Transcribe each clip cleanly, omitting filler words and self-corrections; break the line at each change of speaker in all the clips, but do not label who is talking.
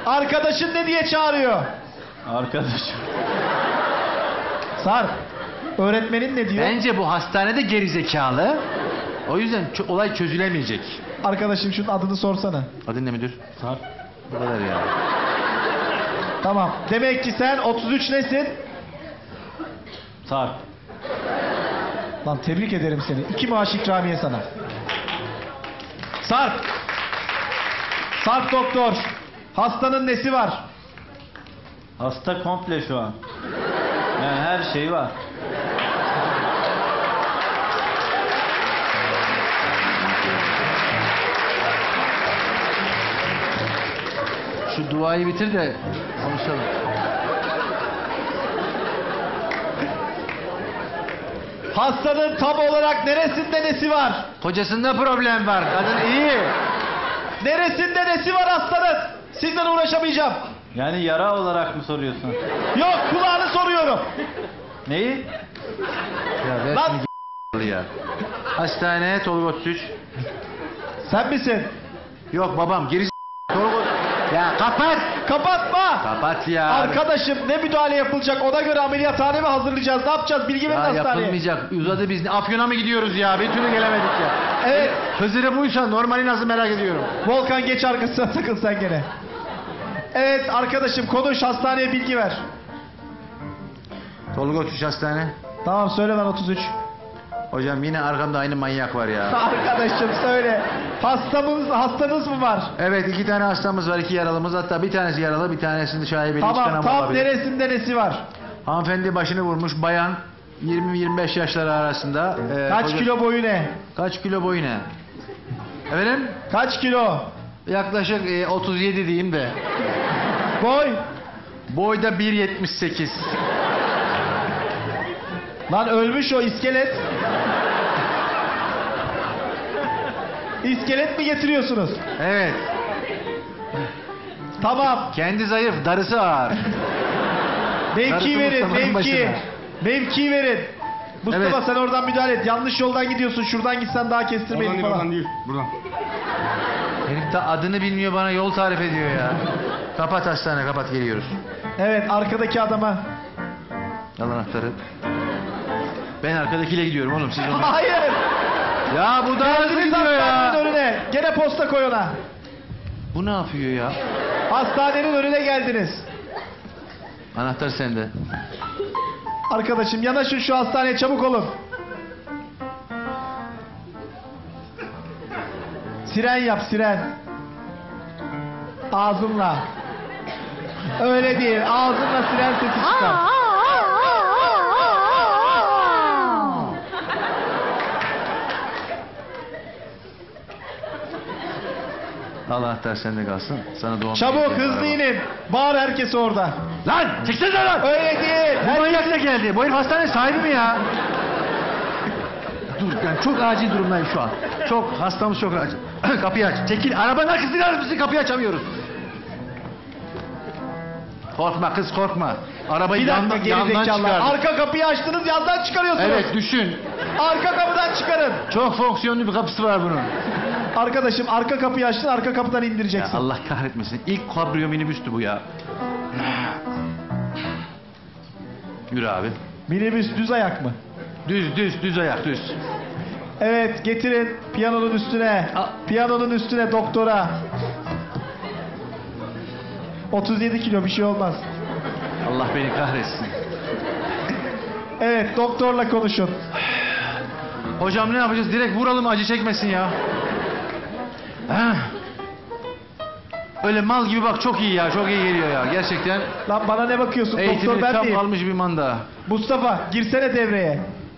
Arkadaşın ne diye çağırıyor?
Arkadaşım.
Sarp. Öğretmenin ne diyor?
Bence bu hastanede gerizekalı. O yüzden olay çözülemeyecek.
Arkadaşım şunun adını sorsana.
Adın ne müdür?
Sarp.
Bu kadar ya.
Tamam. Demek ki sen 33 nesin?
Sarp.
Lan tebrik ederim seni. 2 maaş ikramiye sana. Sarp. Sarp doktor. Hastanın nesi var?
Hasta komple şu an. Yani her şey var.
Şu duayı bitir de konuşalım.
Hastanın tam olarak neresinde nesi var?
Kocasında problem var. Kadın iyi.
Neresinde nesi var hastanın? Sizden uğraşamayacağım.
Yani yara olarak mı soruyorsun?
Yok, kulağını soruyorum.
Neyi?
Ya ver
Lan!
şunu ya. Hastane Tolga 33.
Sen misin?
Yok babam geri Tolga. Ya kapat.
Kapatma.
Kapat ya.
Arkadaşım ne müdahale yapılacak? Ona göre ameliyathane mi hazırlayacağız? Ne yapacağız? Bilgi verin
Ya
hastaneye.
yapılmayacak. Uzadı biz. Afyon'a mı gidiyoruz ya? Bir türlü gelemedik ya.
Evet.
Hızırı buysa normali nasıl merak ediyorum.
Volkan geç arkasına takıl sen gene. Evet arkadaşım konuş, hastaneye bilgi ver.
Tolga 33 hastane.
Tamam söyle ben 33.
Hocam yine arkamda aynı manyak var ya.
Arkadaşım söyle. Hastanız mı var?
Evet 2 tane hastamız var, 2 yaralımız. Hatta bir tanesi yaralı, bir tanesinde şaibeli
Tamam
çıkan
tam
olabilir.
neresinde nesi var?
Hanımefendi başını vurmuş, bayan 20-25 yaşları arasında.
Kaç kilo boyu ne?
Kaç kilo boyu ne? Efendim?
Kaç kilo?
Yaklaşık 37 diyeyim de.
Boy?
Boyda 1.78.
Lan ölmüş o iskelet. İskelet mi getiriyorsunuz?
Evet.
Tamam.
Kendi zayıf, darısı ağır.
Mevki
Darısı
verin,
Mustafa'nın
mevki.
başına.
Mevki verin. Mustafa
Evet.
sen oradan müdahale et. Yanlış yoldan gidiyorsun. Şuradan gitsen daha kestirmeyin falan.
değil. Buradan.
Herif de adını bilmiyor, bana yol tarif ediyor ya. Kapat hastane, kapat, geliyoruz.
Evet arkadaki adama.
Al anahtarı. Ben arkadakiyle gidiyorum oğlum, siz onu...
Hayır.
Ya bu da hızlı
Geldiniz
gidiyor
hastanenin
ya.
önüne. Gene posta koy ona.
Bu ne yapıyor ya?
Hastanenin önüne geldiniz.
Anahtar sende.
Arkadaşım yanaşın şu hastaneye, çabuk olun. Siren yap, siren. Ağzınla. Öyle değil, ağzınla siren sesi çıkar.
Al anahtar sende kalsın. Sana doğum
Çabuk
günü
hızlı
araba.
inin. Bağır herkes orada.
Lan çıksana lan.
Öyle değil.
Bu manyak da geldi. Bu herif hastane sahibi mi ya? Dur ben çok acil durumdayım şu an. Çok hastamız çok acil. Kapıyı aç. Çekil. Arabanın arkasına alır mısın? Kapıyı açamıyoruz. Korkma kız, korkma. Arabayı
Bir dakika
yandan
geri zekalılar.
çıkardım.
Arka kapıyı açtınız, yandan çıkarıyorsunuz.
Evet düşün.
Arka kapıdan çıkarın.
Çok fonksiyonlu bir kapısı var bunun.
Arkadaşım arka kapıyı açtın, arka kapıdan
Ya
indireceksin.
Allah kahretmesin. İlk kabrio minibüstü bu ya. Yürü abi.
Minibüs düz ayak mı?
Düz ayak düz.
Evet getirin piyanonun üstüne. Piyanonun üstüne doktora. 37 kilo bir şey olmaz.
Allah beni kahretsin.
Evet doktorla konuşun.
Hocam ne yapacağız? Direkt vuralım, acı çekmesin ya. Heh. Öyle mal gibi bak, çok iyi ya, çok iyi geliyor ya gerçekten.
Lan bana ne bakıyorsun, doktor
Eğitimini
ben
tam
miyim?
almış bir manda.
Mustafa girsene devreye.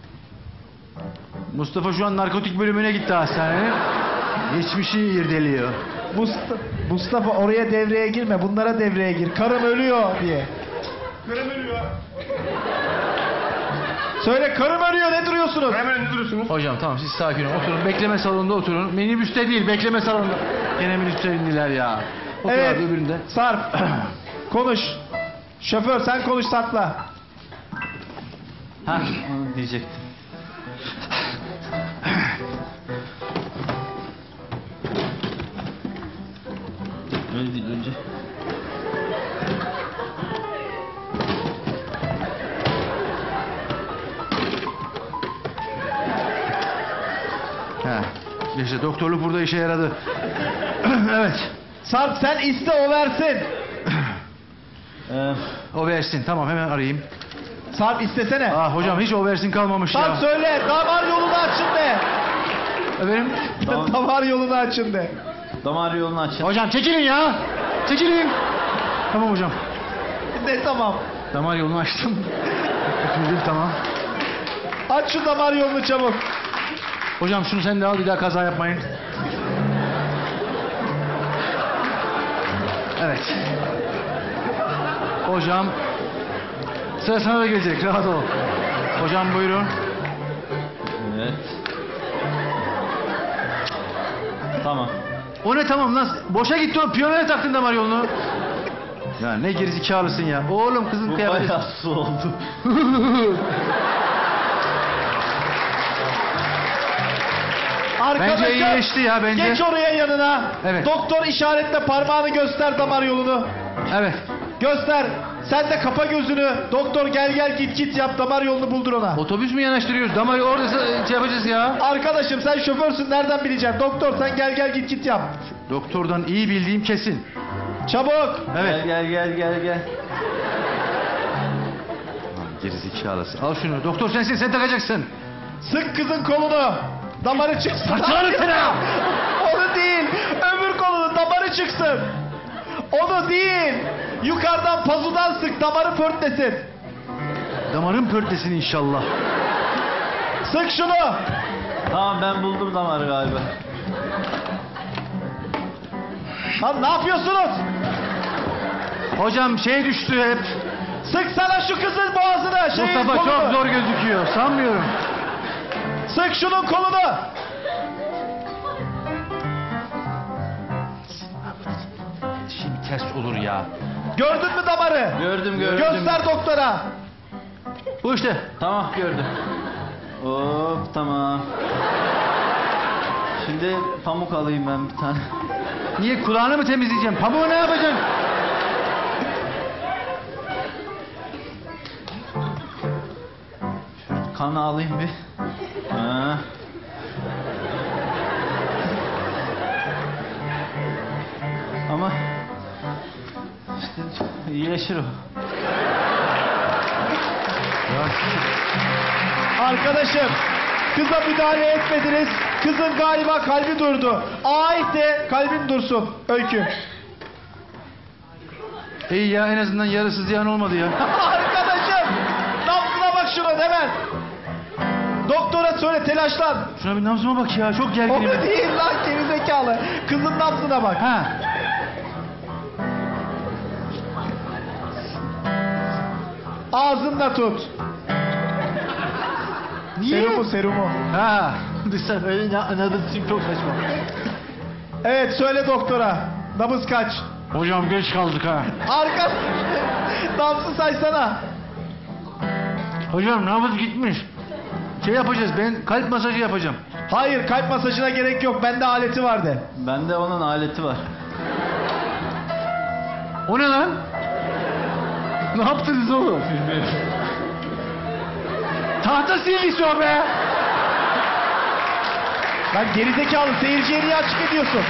Mustafa şu an narkotik bölümüne gitti hastanenin. Geçmişi irdeliyor.
Mustafa oraya devreye girme, bunlara devreye gir. Karım ölüyor diye. Karım ölüyor. Söyle karım ölüyor, ne duruyorsunuz?
Hemen ne duruyorsunuz?
Hocam tamam, siz sakin olun, oturun, bekleme salonunda oturun. Minibüste değil, bekleme salonunda. Gene minibüste indiler ya. Otur
Evet
abi öbüründe.
Sarp konuş. Şoför sen konuş Sarp'la.
Ha onu diyecektim.
Öyle değil önce.
He. İşte doktorluk burada işe yaradı. Evet.
Sarp sen iste o versin.
O versin. Tamam hemen arayayım.
Sarp istesene.
Hocam hiç o versin kalmamış
Sarp
ya.
söyle damar yolunu açın de.
Efendim?
Damar yolunu açın de.
Damar yolunu açın.
Hocam çekilin ya. Çekilin. Tamam hocam.
Ne tamam.
Damar yolunu açtım. Öpüldüm tamam.
Aç şu damar yolunu çabuk.
Hocam şunu sen de al bir daha kaza yapmayın. Evet. Hocam. Sıra sana da gelecek rahat ol. Hocam buyurun.
Evet. Tamam.
O ne tamam lan? Boşa gitti o piyanoya taktın damar yolunu. Ya ne gerizekalısın ya. Oğlum kızın
Bu
kıyafeti.
bayağı su oldu.
Arkadaşım,
Bence iyileşti ya bence.
geç oraya yanına.
Evet.
Doktor işaretle parmağını göster damar yolunu.
Evet.
Göster. Sen de kapa gözünü. Doktor gel git yap damar yolunu buldur ona.
Otobüs mü yanaştırıyoruz? Damar orada şey yapacağız ya.
Arkadaşım sen şoförsün nereden bileceksin? Doktor sen gel git yap.
Doktordan iyi bildiğim kesin.
Çabuk.
Evet.
Gel.
Gerizekalısı. Al şunu. Doktor sensin sen takacaksın.
Sık kızın kolunu. Damarı çıksın.
Saçmalama sen ha!
Onu değil. Öbür kolunu damarı çıksın. Onu değil. Yukarıdan pazudan sık damarı pörtlesin.
Damarın pörtlesin inşallah.
Sık şunu.
Tamam ben buldum damarı galiba.
Lan ne yapıyorsunuz?
Hocam şey düştü hep.
Sıksana şu kızın boğazına.
Mustafa
kolunu.
çok zor gözüküyor. Sanmıyorum.
Sık şunun kolunu.
Şimdi ters olur ya.
Gördün mü damarı?
Gördüm.
Göster doktora.
Bu işte.
Tamam gördüm. Hop tamam. Şimdi pamuk alayım ben bir tane.
Niye kulağını mı temizleyeceğim? Pamuğu ne yapacaksın?
Kanı alayım bir. Ha. Ama işte iyileşir o.
Arkadaşım kıza müdahale etmediniz. Kızın galiba kalbi durdu. Ait de kalbin dursun. Öykü.
İyi ya en azından yarısı ziyan olmadı ya.
Arkadaşım nabzına bak şuna hemen. Doktora söyle telaşlan.
Şuna bir nabzıma bak ya çok
O
gerginim. ben.
değil lan gerizekalı. Kızın nabzına bak.
Ha.
Ağzında tut.
Niye?
Serumu.
Ha. Sen öyle anladın çok saçma.
Evet söyle doktora. Nabız kaç?
Hocam geç kaldık ha.
Arka. Nabzı saysana.
Hocam nabız gitmiş. Şey yapacağız ben kalp masajı yapacağım.
Hayır kalp masajına gerek yok. Bende aleti vardı.
Bende onun aleti var.
O ne lan? Ne yaptınız oğlum? Tahta sildisi o be.
Lan gerizekalı seyirciye niye açık ediyorsun?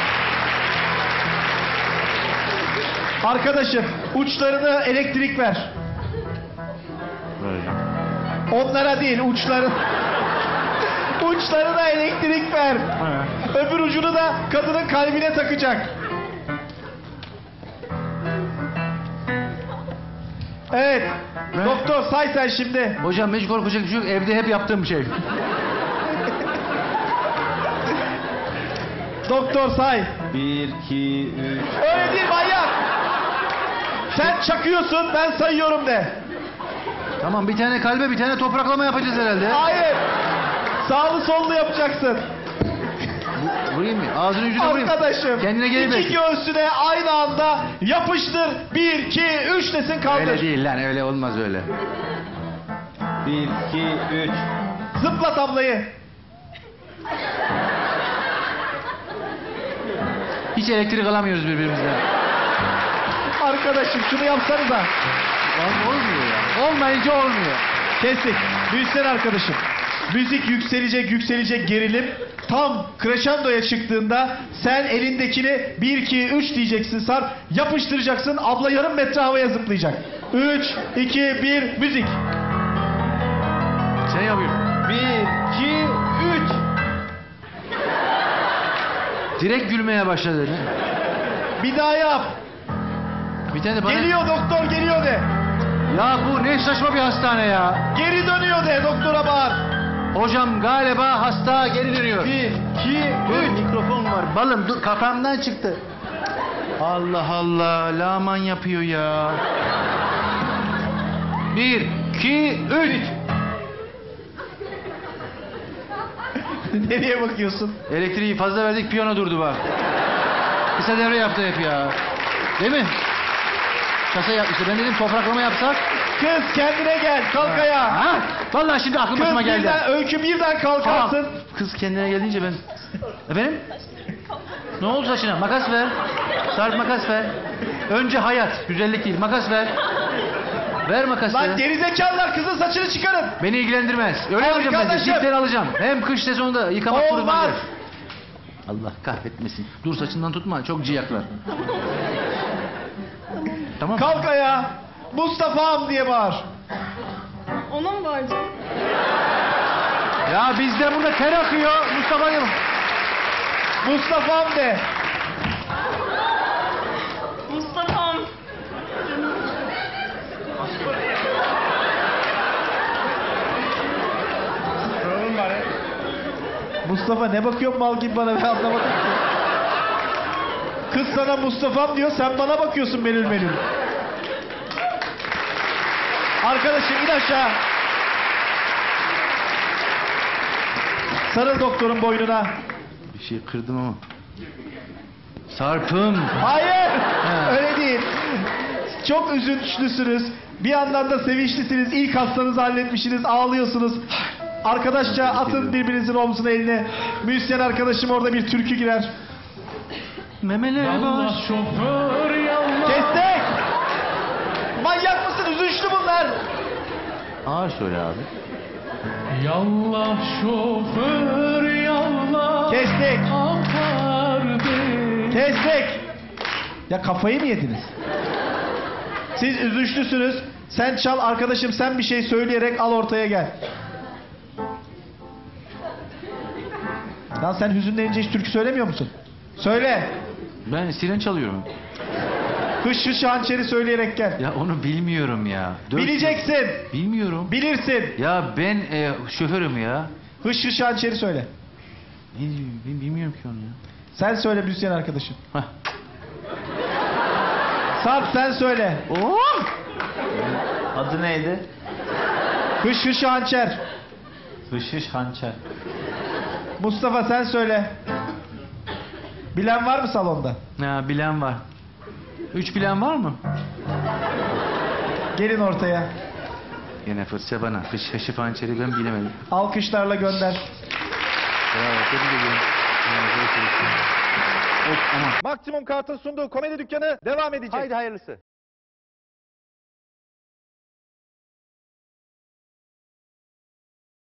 Arkadaşım uçlarını elektrik ver. Onlara değil uçların. Uçlarına elektrik ver. Öbür ucunu da kadının kalbine takacak. Evet.
Ne?
Doktor say sen şimdi.
Hocam hiç korkacak bir şey yok. Evde hep yaptığım bir şey.
Doktor say.
1, 2, 3.
Öyle değil manyak. Sen çakıyorsun ben sayıyorum de.
Tamam bir tane kalbe bir tane topraklama yapacağız herhalde.
Hayır. Sağlı sollu yapacaksın.
Vurayım mı? Ağzının ucuna vurayım.
Arkadaşım.
Kendine geri
iki
belki.
göğsüne aynı anda yapıştır. 1, 2, 3 desin kaldır.
Öyle değil lan öyle olmaz öyle.
1, 2, 3.
Zıpla tablayı.
Hiç elektrik alamıyoruz birbirimizden.
Arkadaşım şunu yapsanıza.
Olmuyor ya. Olmayınca olmuyor.
Kestik. Büyüsene arkadaşım. Müzik yükselecek gerilim. tam crescendo'ya çıktığında sen elindekini 1, 2, 3 diyeceksin Sarp. Yapıştıracaksın. Abla yarım metre havaya zıplayacak. 3, 2, 1 müzik.
Sen yapıyorsun.
1, 2, 3.
Direkt gülmeye başladı. Ne?
Bir daha yap.
Bir tane de bana...
Geliyor doktor geliyor de.
Ya bu ne saçma bir hastane ya.
Geri dönüyor de doktora bağır.
Hocam galiba hasta geri dönüyor.
1, 2,
Dur,
3.
mikrofon var. Balım dur kafamdan çıktı. Allah Allah laman yapıyor ya. 1, 2, 3.
Nereye bakıyorsun?
Elektriği fazla verdik piyano durdu bak. Kısa devre yaptı hep ya. Değil mi? Kasa yapmıştı. Ben dedim topraklama yapsak.
Kız kendine gel. Kalk ayağa.
Ha? Vallahi şimdi aklım
Kız
başıma geldi.
birden, Öykü birden kalkarsın.
Aa, kız kendine geldiğince ben... Efendim? Ne oldu saçına? Makas ver. Sarp makas ver. Önce hayat. Güzellik değil. Makas ver. Ver makası.
Lan gerizekalılar kızın saçını çıkarın.
Beni ilgilendirmez. Öyle yapacağım ben de.
Arkadaşım.
Dipleri alacağım. Hem kış sezonunda yıkamak kurutmak
Olmaz.
gerek. Allah kahretmesin. Dur saçından tutma. Çok ciyaklar. Tamam.
Kalk ayağa. Mustafa'm diye bağır.
Ona mı bağıracağım?
Ya bizde burada ter akıyor. Mustafa diyor.
Mustafa'm de.
Mustafa'm.
Mustafa ne bakıyorsun mal gibi bana, ben anlamadım ki. Kız sana Mustafa'm diyor, sen bana bakıyorsun melül melül. Arkadaşım in aşağı. Sarıl doktorun boynuna.
Bir şey kırdım ama. Sarp'ım.
Hayır.
Ha.
Öyle değil. Çok üzünçlüsünüz. Bir yandan da sevinçlisiniz. İlk hastanızı halletmişsiniz. Ağlıyorsunuz. Arkadaşça atın birbirinizin omzuna eline. Müzisyen arkadaşım orada bir türkü girer.
Memeler boş.
Kestik. Manyak mısın? Üzünçlü bunlar.
Ağır söyle abi.
Yallah şoför yallah.
Kestik.
Apar beni.
Kestik. Ya kafayı mı yediniz? Siz üzünçlüsünüz. Sen çal arkadaşım, sen bir şey söyleyerek al ortaya gel. Lan sen hüzünlenince hiç türkü söylemiyor musun? Söyle.
Ben siren çalıyorum.
Hış hış hançeri söyleyerek gel.
Ya onu bilmiyorum ya.
Bileceksin.
Bilmiyorum.
Bilirsin.
Ya ben şoförüm ya.
Hış hış hançeri söyle.
Ne diyor? Ben bilmiyorum ki onu ya.
Sen söyle müzisyen arkadaşım.
Hah.
Sarp sen söyle.
Oh!
Adı neydi?
Hış hış hançer.
Hışış hançer.
Mustafa sen söyle. Bilen var mı salonda?
Ya bilen var. 3 bilen var mı?
Gelin ortaya.
Yine fırça bana. Hışı hançeri ben bilemedim.
Alkışlarla gönder.
Bravo. Tebrik ediyorum. Of aman.
Maksimum Kart'ın sunduğu komedi dükkanı devam edecek.
Haydi hayırlısı.